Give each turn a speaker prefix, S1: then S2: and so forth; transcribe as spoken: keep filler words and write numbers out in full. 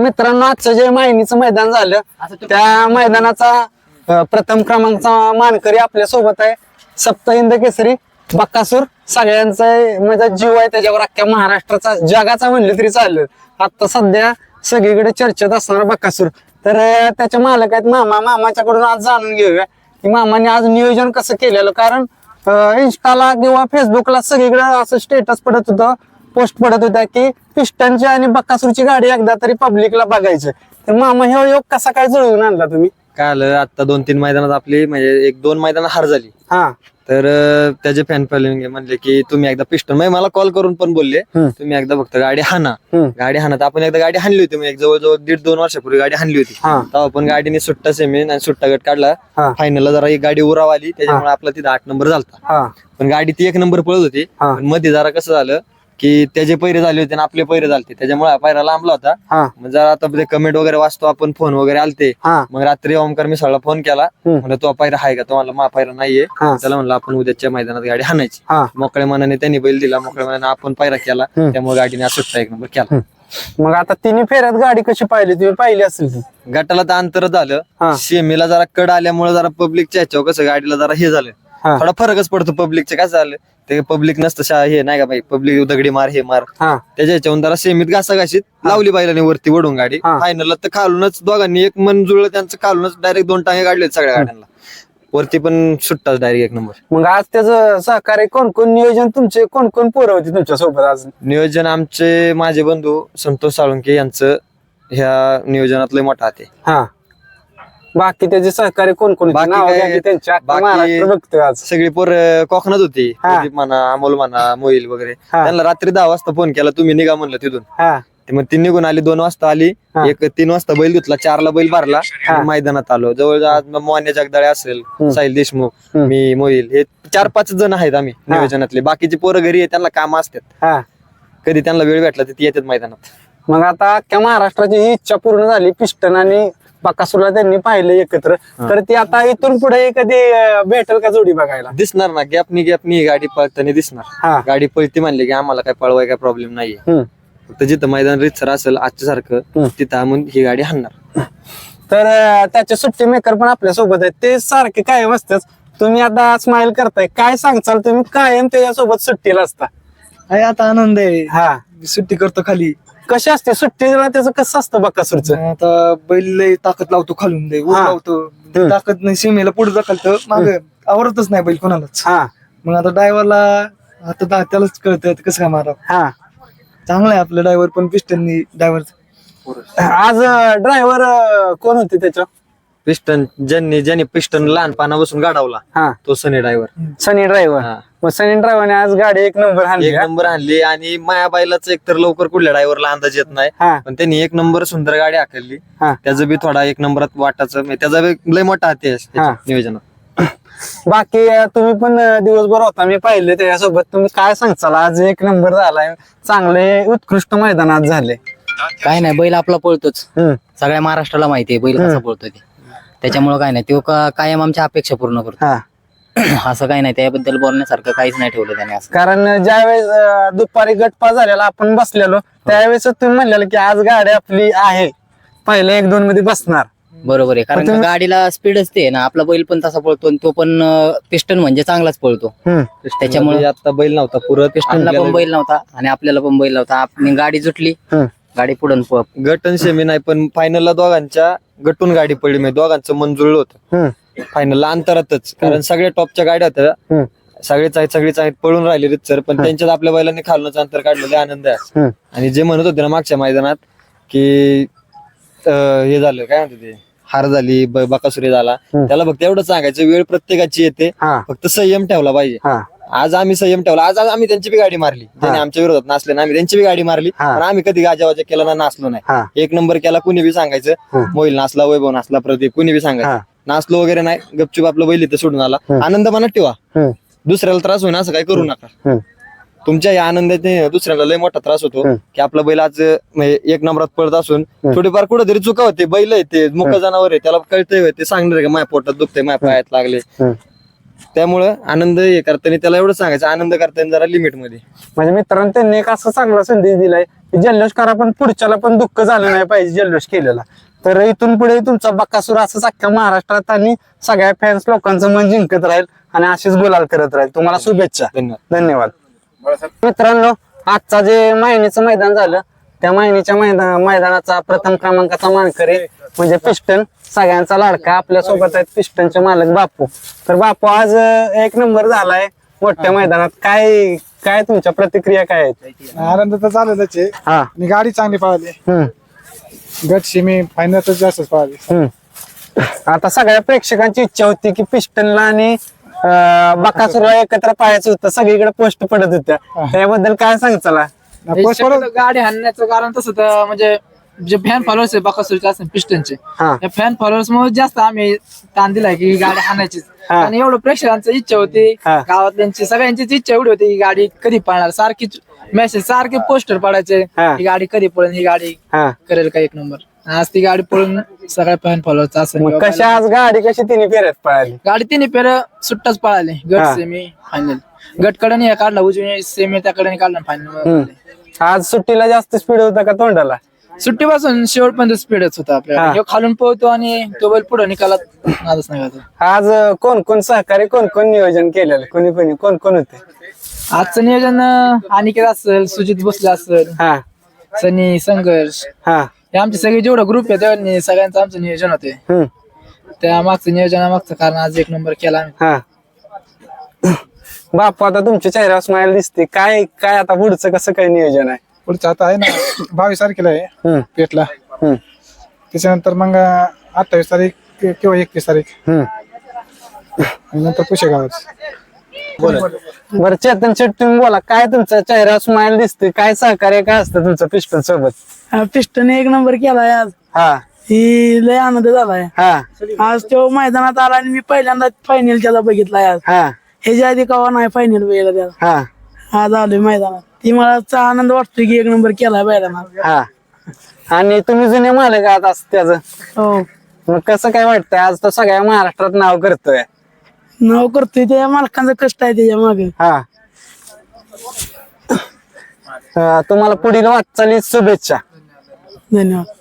S1: मित्रांनो, आजचं जे मायनीचं मैदान झालं त्या मैदानाचा अं, प्रथम क्रमांकचा मानकरी आपल्या सोबत आहे. सप्तहिंद केसरी बक्कासूर. सगळ्यांचा म्हणजे जीव आहे त्याच्यावर, अख्ख्या महाराष्ट्राचा जगाचा म्हणलं तरी चालेल. आता सध्या सगळीकडे चर्चेत असणार बक्कासूर. तर अं, त्याचे मालक आहेत मामा. मामाच्याकडून आज जाणून घेऊया की मामाने आज नियोजन कसं केलेलं. कारण इंस्टाला किंवा फेसबुकला सगळीकडे असं स्टेटस पडत होतं, पोस्ट पडत होत्या की पिस्टनची आणि बक्कासूरची गाडी एकदा तरी पब्लिकला बघायचं. तर मामा हे योग कसा काय जुळवून आणला तुम्ही?
S2: काय आलं, आता दोन तीन मैदानात आपली म्हणजे एक दोन मैदानात हार झाली.
S1: हा
S2: तर अं, त्याचे फॅन फॉलोइंग म्हणले की तुम्ही एकदा पिस्टन, म्हणजे मला कॉल करून पण बोलले
S1: हम्म.
S2: तुम्ही एकदा फक्त गाडी हाना.
S1: हम्म.
S2: गाडी हाना. तर आपण एकदा गाडी हाणली होती, म्हणजे जवळजवळ दीड दोन वर्षापूर्वी गाडी हाणली होती.
S1: हा.
S2: तेव्हा पण गाडीने सुट्टा सेमी आणि सुट्टा गट काढला.
S1: हा.
S2: फायनलला जरा एक गाडी उराव आली, त्याच्यामुळे आपला तिथं आठ नंबर झालता.
S1: हा
S2: पण गाडी ती एक नंबर पळत होती.
S1: हा.
S2: पण मध्ये जरा कसं झालं की त्याचे पैरे झाले होते आणि आपले पैरे झालते, त्याच्यामुळे हा पैरा लांबला होता.
S1: हा
S2: मग जरा आता ते कमेंट वगैरे वाचतो आपण, फोन वगैरे आलते.
S1: हा
S2: मग रात्री ओमकार मिसाळला फोन केला,
S1: हम्म.
S2: म्हणलं तो पायरा आहे का? तो म्हणला मा पायरा नाहीये.
S1: हा.
S2: त्याला म्हणलं आपण उद्याच्या मैदानात गाडी हाणायची.
S1: हा
S2: मोकळ्या मनाने त्यांनी बैल दिला, मोकळ्या मनाने आपण पायरा केला.
S1: हम्म.
S2: त्यामुळे गाडीने आज सुट्टा एक नंबर केला.
S1: मग आता तिन्ही फेऱ्यात गाडी कशी पाहिली तुम्ही? पाहिली असेल ती.
S2: गटाला तर अंतर
S1: हा.
S2: झालं, शेमीला जरा कड आल्यामुळे जरा पब्लिकच्या ह्याच्यावर कसं गाडीला जरा हे झालं,
S1: हा.
S2: थोडा फरकच पडतो. पब्लिकचं काय झालं, ते पब्लिक नसतं शा हे नाही का बाई, पब्लिक दगडी मार हे मार,
S1: हा
S2: त्याच्या ह्याच्यावरून जरा सेमीत घासाघाशीत लावली बाईलाने वरती वडून गाडी.
S1: हा.
S2: फायनलला तर खालूनच दोघांनी एक मन जुळलं त्यांचं, खालूनच डायरेक्ट दोन टांगे काढले सगळ्या गाड्यांना. वरती पण सुट्टाच डायरेक्ट एक नंबर.
S1: मग आज त्याचं सहकार्य कोण कोण, नियोजन तुमचे कोण कोण पोरं होती तुमच्या सोबत आज?
S2: नियोजन आमचे माझे बंधू संतोष साळुंके यांचं ह्या नियोजनात लय मोठा हात आहे.
S1: हा बाकी त्याचे सहकार्य कोण कोण होते?
S2: बाकी
S1: नावं
S2: काय-
S1: घ्या की त्यांची, अख्खा
S2: बाकी-
S1: महाराष्ट्र बघतोय आज.
S2: सगळी पोर कोकणात होती.
S1: हा.
S2: प्रदीप म्हणा, अमोल म्हणा, मोहिल वगैरे.
S1: हा.
S2: त्यांना रात्री दहा वाजता फोन केला, तुम्ही निघा म्हणलं तिथून.
S1: हा
S2: ते मग ती निघून आली, दोन वाजता आली.
S1: हा.
S2: एक तीन वाजता बैल घेतला, चारला बैल भरला.
S1: हा.
S2: मग मैदानात आलो. जवळ आज मग मोन्या जगदाळे असेल,
S1: हम्म.
S2: साहिल देशमुख,
S1: हम्म.
S2: मी, मोहिल, हे चार पाच जण आहेत आम्ही
S1: हा.
S2: नियोजनातले. बाकीची पोरं घरी आहे, त्यांना काम असतात.
S1: हा
S2: कधी त्यांना वेळ भेटला तर ती येतात मैदानात.
S1: मग आता अख्ख्या महाराष्ट्राची ही इच्छा पूर्ण झाली, पिस्टन आणि बकासूरला त्यांनी पाहिलं एकत्र. तर ती आता इथून पुढे कधी अं, भेटेल का जोडी बघायला?
S2: दिसणार ना, गॅपनी गॅपनी गाडी पळताना दिसणार.
S1: हा
S2: गाडी पळती म्हणले की आम्हाला काय पळवाय काय प्रॉब्लेम नाहीये.
S1: हम्म.
S2: फक्त जिथं मैदान रितसर असेल आजच्या सारखं,
S1: हम्म.
S2: तिथं आम्ही ही गाडी हाणणार.
S1: तर अं, त्याचे सुट्टी मेकर पण आपल्या सोबत आहेत, ते सारखे कायम असतात. तुम्ही आता स्माइल करताय, काय सांगचाल तुम्ही? कायम त्याच्यासोबत सुट्टीला असता.
S3: आहे आता आनंद आहे.
S1: हा
S3: सुट्टी करतो खाली.
S1: कशी असते सुट्टीला, त्याचं कसं असतं बकासूरचं?
S3: आता बैल लय ताकद लावतो खालून, दे ऊर
S1: हा.
S3: लावतो.
S1: हम्म.
S3: ताकद नाही, सीमेला पुढे जाखलतं, माग आवडतच नाही बैल कोणालाच.
S1: हा
S3: मग आता ड्रायव्हरला आता दा- त्यालाच कळतं कसं काय मारा.
S1: हा
S3: चांगलं आहे आपलं ड्रायव्हर पण, पिस्टननी ड्रायव्हर.
S1: आज ड्रायव्हर कोण होते त्याच्या?
S2: पिस्टन ज्यांनी ज्यांनी पिस्टन लहानपणापासून गाडावला
S1: हा
S2: तो सनी ड्रायव्हर.
S1: सनी ड्रायव्हर.
S2: हा.
S1: मग सनी ड्रायव्हरने आज गाडी एक नंबर आणली.
S2: एक नंबर आणली. आणि मायाबाईलाच एकतर लवकर कुठल्या ड्रायव्हरला अंदाज येत नाही,
S1: हा
S2: पण त्यांनी एक नंबर सुंदर गाडी हाकलली.
S1: हा.
S2: त्याचं बी थोडा एक नंबरात वाटाचं, म्हणजे त्याचा बी लय मोठा हात आहे
S1: हा.
S2: याच्यात नियोजनात.
S1: बाकी अं, तुम्ही पण अं, दिवसभर होता, मी पाहिले त्याच्यासोबत. तुम्ही काय सांगचाल? आज एक नंबर झालाय, चांगले उत्कृष्ट मैदान आज झाले.
S4: काय नाही, बैल आपला पळतोच.
S1: हम्म.
S4: सगळ्या महाराष्ट्राला माहिती आहे बैल कसा
S1: हम्म.
S4: पळतो ते. त्याच्यामुळे काय नाही, तो का- कायम आमच्या अपेक्षा पूर्ण करतो.
S1: हा
S4: असं काही नाही, त्याबद्दल बोलण्यासारखं काहीच नाही ठेवलं त्याने असं.
S1: कारण ज्यावेळेस अं, दुपारी गटपा झालेला आपण बसलेलो, त्यावेळेस तुम्ही म्हणलेलं की आज गाडी आपली आहे, पहिले एक दोन मध्ये बसणार.
S4: बरोबर आहे, कारण
S1: पण
S4: का
S1: तुम्ही-
S4: गाडीला स्पीडच ते ना. आपला बैल पण तसा पळतो आणि तो पण पिस्टन म्हणजे चांगलाच पळतो.
S1: हम्म.
S4: त्याच्यामुळे
S2: आता बैल नव्हता पुरत.
S4: पिस्टनला पण बैल नव्हता आणि आपल्याला पण बैल नव्हता. आपली गाडी जुटली,
S1: हम्म.
S4: गाडी पुढून प-
S2: गटन सेमी नाही, पण फायनलला दोघांच्या गटून गाडी पडली, म्हणजे दोघांचं मन जुळलं होतं
S1: हम्म.
S2: फायनलला अंतरातच. कारण सगळ्या टॉपच्या गाड्या होत्या,
S1: हम्म.
S2: सगळेच आहेत सगळेच आहेत पळून राहिले रितसर, पण त्यांच्यात आपल्या बैलांनी खालूनच अंतर काढलेले, आनंद आहे.
S1: हम्म.
S2: आणि जे म्हणत होते ना मागच्या मैदानात की अं, हे झालं काय म्हणते ते, हार झाली, ब- बकासुरी झाला,
S1: हम्म.
S2: त्याला फक्त एवढं सांगायचं, वेळ प्रत्येकाची येते,
S1: हा
S2: फक्त संयम ठेवला पाहिजे.
S1: हा
S2: आज आम्ही संयम ठेवला. आज आज आम्ही त्यांची बी गाडी मारली, ज्याने आमच्या विरोधात नाचले ना, आम्ही त्यांची बी गाडी मारली.
S1: हा.
S2: पण आम्ही कधी गाजावाजा केला ना, नाचलो नाही.
S1: हा
S2: एक नंबर केला, कुणी बी सांगायचं.
S1: हा.
S2: मोहिल नाचला, वैभव नाचला, प्रदीप, कुणी बी
S1: हा.
S2: सांगायचं. नाचलो वगैरे नाही, गपचूप आपलं बैल इथं सोडून आला.
S1: हम्म.
S2: आनंद मनात ठेवा,
S1: हम्म.
S2: दुसऱ्याला त्रास होईना असं काय करू नका.
S1: हम्म.
S2: तुमच्या या आनंदाने दुसऱ्याला लय मोठा त्रास होतो.
S1: हम्म.
S2: की आपला बैल आज म्हणजे एक नंबरात पडत असून थोडीफार कुठेतरी चुका होते. बैल आहे ते मुख जनावर आहे, त्याला कळतंय ते सांगणार का माझ्या पोटात दुखतंय, माझ्या पायात लागले.
S1: हम्म.
S2: त्यामुळं आनंद हे करताना त्याला एवढं सांगायचं, आनंद करताना जरा लिमिट मध्ये.
S1: म्हणजे मित्रांनो त्यांनी एक असं चांगला संदेश दिलाय की जल्लोष करा पण पुढच्याला पण दुःख झालं नाही पाहिजे जल्लोष केलेला. तर इथून पुढे तुमचा बकासूर असंच अख्ख्या महाराष्ट्रात आणि सगळ्या फॅन्स लोकांचं मन जिंकत राहील आणि अशीच गुलाल करत राहील. तुम्हाला शुभेच्छा.
S2: धन्यवाद.
S1: धन्यवाद. मित्रांनो आजचा जे मायनीचं मैदान झालं त्या मायनीच्या मैदान मैदानाचा प्रथम क्रमांकाचा मानकरी म्हणजे पिस्टन, सगळ्यांचा लाडका. आपल्या सोबत आहेत पिस्टनचे मालक बापू. तर बापू आज अं, एक नंबर झालाय मोठ्या मैदानात. काय काय तुमच्या प्रतिक्रिया काय आहेत?
S3: आनंद तर झालेलाच आहे
S1: हा.
S3: आणि गाडी चांगली पळाली.
S1: हम्म
S3: गट सेमी फायनल तर जास्तच पळाली.
S1: हम्म आता सगळ्या प्रेक्षकांची इच्छा होती की पिस्टनला आणि अं, बकासूरला एकत्र पाहायचं होतं. सगळीकडे पोस्ट पडत होत्या. त्याबद्दल काय सांगचाला?
S3: पोस्ट पळत-
S5: गाडी हाणण्याचं कारण तसं तर म्हणजे जे फॅन फॉलोअर्स आहे बकासूरचे असतील पिस्टनचे,
S1: हा.
S5: त्या फॅन फॉलोअर्स मुळे जास्त आम्ही ताण दिलाय की ही गाडी हाणायचीच.
S1: हा.
S5: आणि एवढं प्रेक्षकांची इच्छा होती,
S1: हा.
S5: गावातल्यांची सगळ्यांचीच इच्छा एवढी होती की गाडी कधी पळणार. सारखी मेसेज सारखे पोस्टर पडायचे
S1: हा.
S5: ही गाडी कधी पळेल, ही गाडी
S1: हा.
S5: करेल का एक नंबर. आज ती गाडी पळून सगळ्या फॅन फॉलोअर्स असं
S1: मग कशा आज गाडी कशी तिने फेऱ्यात पळाली?
S5: गाडी तिने फेर सुट्टाच पळाली.
S1: हा.
S5: गट सेमी फायनल, गट कडे काढला उजवी, सेमी त्या कडे काढला फायनल.
S1: हम्म. आज सुट्टीला जास्त स्पीड होता का तोंडाला?
S5: सुट्टीपासून शेवटपर्यंत स्पीडच होता
S1: हा.
S5: आपल्याला. ह्यो खालून पळतो आणि तो बैल पुढे निकालात नादच नाही घालत.
S1: आज अं, कोण कोण सहकारी कोण कोण नियोजन केलेलं? कोणी कोणी कोण कोण होते?
S5: आजचं नियोजन अं, अनिकेत असेल, सुजित भोसले असेल,
S1: हा
S5: सनी, संघर्ष,
S1: हा
S5: हे आमचे सगळे जेवढं ग्रुप आहे त्यांनी सगळ्यांचं आमचं नियोजन होते.
S1: हम्म
S5: त्या मागचं नियोजनामागचं कारण आज एक नंबर केला आम्ही.
S1: हा. बापू आता तुमच्या चेहऱ्यावर स्माइल दिसते. काय काय आता पुढचं कसं काय नियोजन आहे?
S3: पुढचं आता आहे ना बावीस तारखेला आहे
S1: हम्म
S3: पेटला.
S1: हम्म
S3: त्याच्यानंतर मग अठ्ठावीस तारीख कि- किंवा एकतीस तारीख
S1: हम्म
S3: आणि नंतर पुशेगावच.
S1: बरं चेतन शेट तुम्ही बोला. काय तुमच्या चेहऱ्यावर स्माइल दिसते? काय सहकार्य काय असतं तुमचं पिस्टन सोबत?
S6: पिस्टन एक नंबर केलाय आज.
S1: हा
S6: ही लय आनंद झालाय.
S1: हा
S6: आज तो मैदानात आला आणि मी पहिल्यांदा फायनल त्याला बघितलाय आज.
S1: हा
S6: ह्याच्या आधी कवा नाही फायनल बघितला त्याला.
S1: हा
S6: आज आलोय मैदानात. ती मला चा आनंद वाटतोय की एक नंबर केलाय मैदानात.
S1: हा. आणि तुम्ही जुने मालक आहात असं त्याचं,
S6: हो
S1: मग कसं काय वाटतंय? आज तो सगळ्या महाराष्ट्रात नाव करतोय.
S6: नाव करतोय त्या मालकांचं कष्ट आहे त्याच्या मागे.
S1: हा. अं, तुम्हाला पुढील वाटचाली शुभेच्छा.
S6: धन्यवाद.